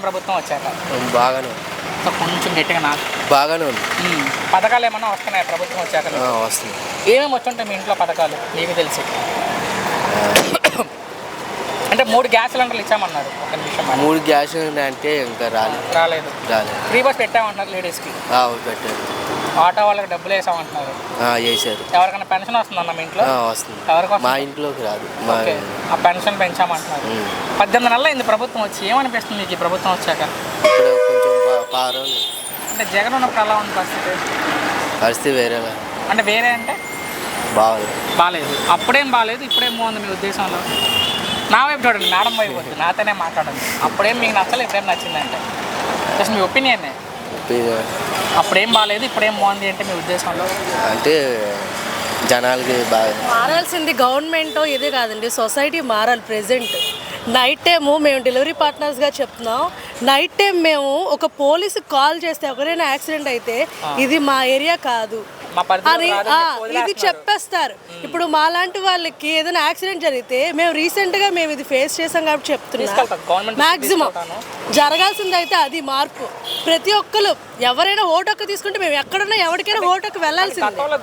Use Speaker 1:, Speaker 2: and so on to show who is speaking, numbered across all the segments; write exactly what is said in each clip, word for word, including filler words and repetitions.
Speaker 1: ప్రభుత్వం వచ్చాక?
Speaker 2: బాగానే ఉంది.
Speaker 1: సో కొంచెం గట్టిగా నాకు
Speaker 2: బాగానే ఉంది.
Speaker 1: పథకాలు ఏమన్నా వస్తున్నాయి ప్రభుత్వం వచ్చాక?
Speaker 2: వస్తుంది.
Speaker 1: ఏమేమి వచ్చుంటాయి మీ ఇంట్లో పథకాలు మీకు తెలిసి? అంటే మూడు గ్యాస్ సిలిండర్లు ఇచ్చామన్నారు. ఒక నిమిషం.
Speaker 2: మూడు గ్యాస్ అంటే ఇంకా రాలేదు
Speaker 1: రాలేదు
Speaker 2: రాలేదు
Speaker 1: ఫ్రీ బస్ పెట్టామంటున్నారు లేడీస్కి.
Speaker 2: పెట్టారు.
Speaker 1: ఆటో వాళ్ళకి డబ్బులు వేసామంటున్నారు.
Speaker 2: వేసారు.
Speaker 1: ఎవరికైనా పెన్షన్ వస్తుందన్న మీ ఇంట్లో?
Speaker 2: వస్తుంది.
Speaker 1: ఎవరికి?
Speaker 2: మా ఇంట్లోకి రాదు.
Speaker 1: ఆ పెన్షన్ పెంచామంటున్నారు. పద్దెనిమిది నెలలు అయింది ప్రభుత్వం వచ్చి. ఏమనిపిస్తుంది మీకు ఈ ప్రభుత్వం వచ్చాక?
Speaker 2: ఇప్పుడు కొంచెం పారలు
Speaker 1: అంటే జగన్ ఉన్నప్పుడు ఎలా ఉంది పరిస్థితి?
Speaker 2: పరిస్థితి వేరేలా.
Speaker 1: అంటే వేరే అంటే
Speaker 2: బాగాలేదు.
Speaker 1: బాగాలేదు. అప్పుడేం బాగాలేదు, ఇప్పుడేం బాగుంది మీ ఉద్దేశంలో? నా వైపు చూడండి, మేడం వైపు వద్దు, నాతోనే మాట్లాడండి. అప్పుడేం మీకు నచ్చలేదు, ఇప్పుడేం నచ్చిందంటే జస్ట్ మీ ఒపీనియన్. అప్పుడేం బాగాలేదు, ఇప్పుడేం బాగుంది అంటే మీ ఉద్దేశంలో?
Speaker 2: అంటే జనాలకి బాగా
Speaker 3: మారాల్సింది గవర్నమెంట్ ఇదే కాదండి, సొసైటీ మారాలి. ప్రెజెంట్ నైట్ టైము మేము డెలివరీ పార్ట్నర్స్గా చెప్తున్నాం. నైట్ టైం మేము ఒక పోలీసు కాల్ చేస్తే ఎవరైనా యాక్సిడెంట్ అయితే ఇది మా ఏరియా కాదు అని ఇది చెప్పేస్తారు. ఇప్పుడు మాలాంటి వాళ్ళకి ఏదైనా యాక్సిడెంట్ జరిగితే మేము రీసెంట్గా మేము ఇది ఫేస్ చేసాం కాబట్టి చెప్తున్నాం. మ్యాక్సిమం జరగాల్సింది అయితే అది మార్పు. ప్రతి ఒక్కరు ఎవరైనా ఓటొక్క తీసుకుంటే మేము ఎక్కడున్నా ఎవరికైనా ఓటొక్క వెళ్ళాల్సింది.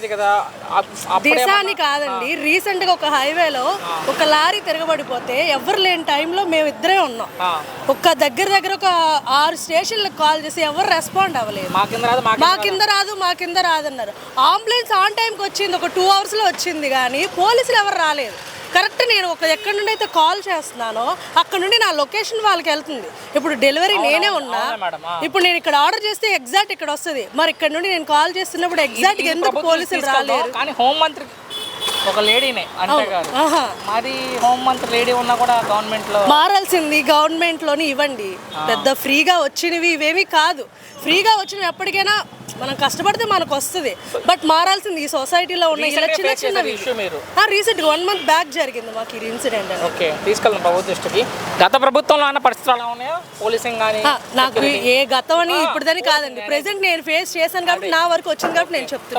Speaker 3: దిశ అని కాదండి, రీసెంట్ గా ఒక హైవేలో ఒక లారీ తిరగబడిపోతే ఎవరు లేని టైంలో మేము ఇద్దరే ఉన్నాం. ఒక దగ్గర దగ్గర ఒక ఆరు స్టేషన్లకు కాల్ చేసి ఎవరు రెస్పాండ్ అవ్వలేదు. మా కింద రాదు మా కింద రాదు అన్నారు. అంబులెన్స్ ఆన్ టైంకి వచ్చింది, ఒక టూ అవర్స్ లో వచ్చింది, కానీ పోలీసులు ఎవరు రాలేదు. కరెక్ట్ నేను ఒక ఎక్కడి నుండి అయితే కాల్ చేస్తున్నానో అక్కడ నుండి నా లొకేషన్ వాళ్ళకి వెళ్తుంది. ఇప్పుడు డెలివరీ నేనే ఉన్నా, ఇప్పుడు నేను ఇక్కడ ఆర్డర్ చేస్తే ఎగ్జాక్ట్ ఇక్కడ వస్తుంది. మరి ఇక్కడ నుండి నేను కాల్ చేస్తున్నప్పుడు ఎగ్జాక్ట్ ఎందుకు పోలీసులు రాలేరు?
Speaker 1: కానీ హోంమంత్రి ఒక లేడీనే అంటే కాదు, మరి హోంమంత్రి లేడీ ఉన్నా కూడా గవర్నమెంట్ లో
Speaker 3: మారాల్సింది. గవర్నమెంట్ లోని ఇవ్వండి, పెద్ద ఫ్రీగా వచ్చినవి ఇవేమి కాదు. ఫ్రీగా వచ్చినవి ఎప్పటికైనా మనం కష్టపడితే మనకు వస్తుంది. బట్ మారాల్సింది ఈ సొసైటీలో ఉన్న ఇలా చిన్న చిన్నవి. రీసెంట్ వన్ మంత్ బ్యాక్ జరిగింది మాకు ఈ ఇన్సిడెంట్.
Speaker 1: ఓకే, తీసుకెళ్ళిన ప్రభుత్వ దృష్టికి. గత ప్రభుత్వంలో అన్న పరిస్థితులు ఎలా ఉన్నాయో పోలీసింగ్ కానీ?
Speaker 3: నాకు ఏ గతం అని ఇప్పుడుదని కాదండి, ప్రెసెంట్ నేను ఫేస్ చేశాను కాబట్టి నా వరకు వచ్చింది కాబట్టి నేను చెప్తున్నాను.